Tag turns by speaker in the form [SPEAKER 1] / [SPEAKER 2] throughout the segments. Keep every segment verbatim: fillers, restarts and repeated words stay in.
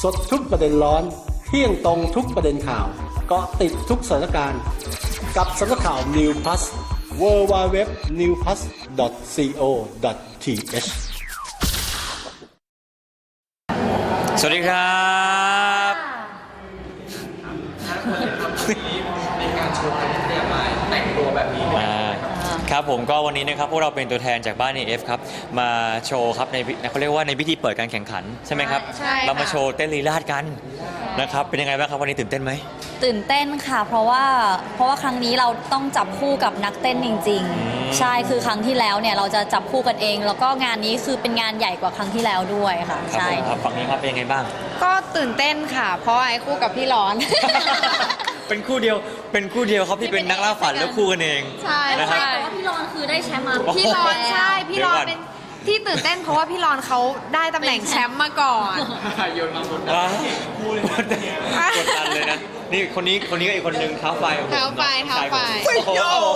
[SPEAKER 1] สดทุกประเด็นร้อนเที่ยงตรงทุกประเด็นข่าวเกาะติดทุกสถานการณ์กับสำนักข่าว New Plus ดับเบิลยู ดับเบิลยู ดับเบิลยู ดอท นิว พลัส ดอท ซี โอ ดอท ที เอช
[SPEAKER 2] สวัสดีครับ
[SPEAKER 3] ในการโชว์การที่เตรียมมาแต่งตัวแบบนี้
[SPEAKER 2] ครับผมก็วันนี้นะครับพวกเราเป็นตัวแทนจากบ้าน เอ เอฟ ครับมาโชว์ครับในเขาเรียกว่าในพิธีเปิดการแข่งขันใช่ไหมครับ
[SPEAKER 4] ใช่ค่ะ
[SPEAKER 2] เรามาโชว์เต้นลีลาดกันนะครับเป็นยังไงบ้างครับวันนี้ตื่นเต้นไหม
[SPEAKER 4] ตื่นเต้นค่ะเพราะว่าเพราะว่าครั้งนี้เราต้องจับคู่กับนักเต้นจริงๆใช่คือครั้งที่แล้วเนี่ยเราจะจับคู่กันเอง แล้วก็งานนี้คือเป็นงานใหญ่กว่าครั้งที่แล้วด้วยค่ะใช่
[SPEAKER 2] ครับฝั่งนี้ครับเป็นยังไงบ้าง
[SPEAKER 5] ก็ตื่นเต้นค่ะเพราะไอ้คู่กับพี่ร้อน
[SPEAKER 2] เป็นคู่เดียวเป็นคู่เดียวครับที่เป็นนักล่าฝันแล้วคู่กันเอง
[SPEAKER 5] ใช่
[SPEAKER 2] นะครับ
[SPEAKER 4] แต่ว่าพี่รอนคือได้แชมป์มา
[SPEAKER 5] พี่ร้อนใช่พี่ร้อน
[SPEAKER 2] เดี๋ยวก่อน
[SPEAKER 5] เป็นที่ตื่นเต้นเพราะว่าพี่ร้อนเขาได้ตำแหน่งแชมป์มาก่อน
[SPEAKER 3] โยนมาบน
[SPEAKER 2] ว้าวกดดันเลยนะนี่คนนี้คนนี้ก็อีกคนนึงเท้าไฟของผม
[SPEAKER 5] เท้าไฟเท้าไฟ
[SPEAKER 2] โอ้โห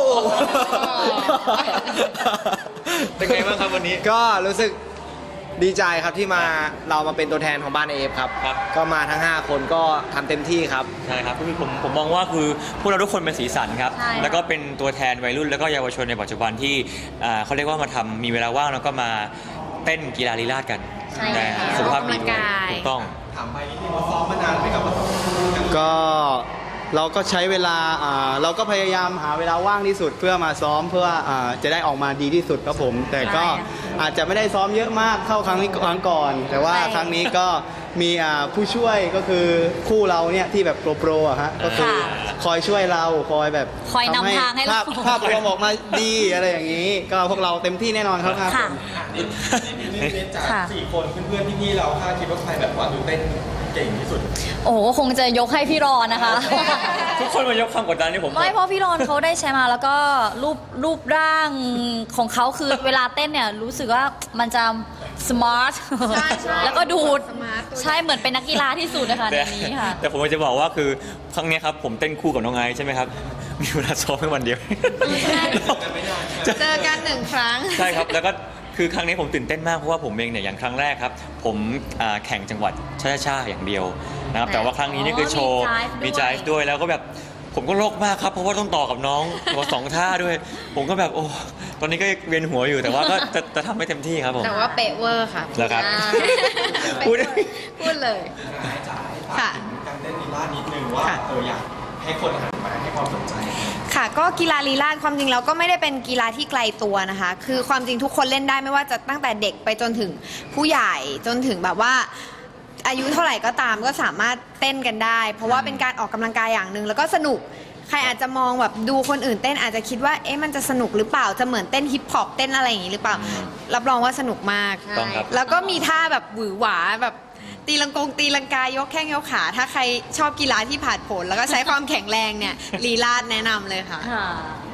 [SPEAKER 2] เป็นไงบ้างครับวันนี้
[SPEAKER 6] ก็รู้สึกดีใจครับที่มาเรามาเป็นตัวแทนของบ้านเอฟครับ
[SPEAKER 2] ครับ
[SPEAKER 6] ก็มาทั้งห้าคนก็ทำเต็มที่ครับ
[SPEAKER 2] ใช่ครับผมผมมองว่าคือพวกเราทุกคนเป็นสีสันครับ
[SPEAKER 4] ใช่ค่ะ
[SPEAKER 2] แล้วก็เป็นตัวแทนวัยรุ่นแล้วก็เยาวชนในปัจจุบันที่อ่าเขาเรียกว่ามาทำมีเวลาว่างแล้วก็มาเต้นกีฬาลีลาศกัน
[SPEAKER 4] ใช่
[SPEAKER 2] แต่
[SPEAKER 4] ค่ะ
[SPEAKER 2] สุขภาพดี
[SPEAKER 5] ออกกำลัง
[SPEAKER 2] ด้วย
[SPEAKER 5] กาย
[SPEAKER 2] ถูกต้อง
[SPEAKER 3] ถามไปนี่ที่มาซ้อมมานานไหมกับมาซ้อม
[SPEAKER 6] ก็เราก็ใช้เวลาอ่าเราก็พยายามหาเวลาว่างที่สุดเพื่อมาซ้อมเพื่ออ่าจะได้ออกมาดีที่สุดครับผม แต่ก็อาจจะไม่ได้ซ้อมเยอะมากเท่าครั้งนี้ครั้งก่อน แต่ว่าครั้งนี้ก็มีอ่าผู้ช่วยก็คือคู่เราเนี่ยที่แบบโปรโปรอะฮะก็คือคอยช่วยเราคอยแบบ
[SPEAKER 4] คอยนำทางให้เรา
[SPEAKER 6] ภาพภาพรวมออกมาดีอะไรอย่างนี้ ก็พวกเราเต็มที่แน่นอนครับ
[SPEAKER 4] ค่ะ
[SPEAKER 3] นี่นี่จาก
[SPEAKER 4] ค่ะ
[SPEAKER 3] สี่คนเพื่อนๆพี่ๆเราคาดคิดว่าใครแบบว่าดูเต้นเก่งที่สุด
[SPEAKER 4] โอ้โหคงจะยกให้พี่รอนนะคะ
[SPEAKER 2] ทุกคนมายกความกดดันให้ผม
[SPEAKER 4] ไม่เพราะพี่รอนเขาได้แชมป์มาแล้วก็รูปรูปร่างของเขาคือเวลาเต้นเนี่ยรู้สึกว่ามันจะสมาร์ท
[SPEAKER 5] ใช่ใช่
[SPEAKER 4] แล้วก็ดูด
[SPEAKER 5] สมาร์ทตัว
[SPEAKER 4] ใช่เหมือนเป็นนักกีฬาที่สุดนะคะใน
[SPEAKER 2] แต่
[SPEAKER 4] นี้ค่ะ
[SPEAKER 2] แต่ผมจะบอกว่าคือครั้งเนี้ยครับผมเต้นคู่กับน้องไอซ์ใช่ไหมครับมีเวลาซ้อมแค่วันเดียว
[SPEAKER 5] เจอกันหนึ่งครั้ง
[SPEAKER 2] ใช่ครับแล้วก็คือครั้งนี้ผมตื่นเต้นมากเพราะว่าผมเองเนี่ยอย่างครั้งแรกครับผมอ่าแข่งจังหวัดช้าๆอย่างเดียวนะครับแต่ว่าครั้งนี้นี่คือโชว์
[SPEAKER 4] อ๋อมี
[SPEAKER 2] มี
[SPEAKER 4] jive
[SPEAKER 2] jive ด้วยแล้วก็แบบผมก็โลกมากครับเพราะว่าต้องต่อกับน้องตัวสองท่าด้วย ผมก็แบบโอ้ตอนนี้ก็เวียนหัวอยู่แต่ว่าก็จะจะทำให้เต็มที่ครับผม
[SPEAKER 5] แต่ว่าเป๊ะเวอร์ค่ะ
[SPEAKER 2] เหรอครับ
[SPEAKER 5] พูดพูดเลย ค่ะ
[SPEAKER 3] การเต้นลีลาดนิดนึงว่าเอออยากให้คนหันมาให้ความสนใจ
[SPEAKER 5] ค่ะก็กีฬาลีลาศความจริงแล้วก็ไม่ได้เป็นกีฬาที่ไกลตัวนะคะ คือความจริงทุกคนเล่นได้ไม่ว่าจะตั้งแต่เด็กไปจนถึงผู้ใหญ่จนถึงแบบว่าอายุเท่าไหร่ก็ตามก็สามารถเต้นกันได้ เพราะว่าเป็นการออกกำลังกายอย่างหนึ่งแล้วก็สนุกใครอาจจะมองแบบดูคนอื่นเต้นอาจจะคิดว่าเอ๊ะมันจะสนุกหรือเปล่าจะเหมือนเต้นฮิปฮอปเต้นอะไรอย่างนี้หรือเปล่า รับรองว่าสนุกมาก
[SPEAKER 2] ต้องครับ
[SPEAKER 5] แล้วก็มีท่าแบบหวือหวาแบบตีลังกงตีลังกายกแข้งยกขา ถ้าใครชอบกีฬาที่ผาดโผนแล้วก็ใช้ความแข็งแรงเนี่ยลีลาดแนะนำเลยค่ะ
[SPEAKER 4] ค่ะ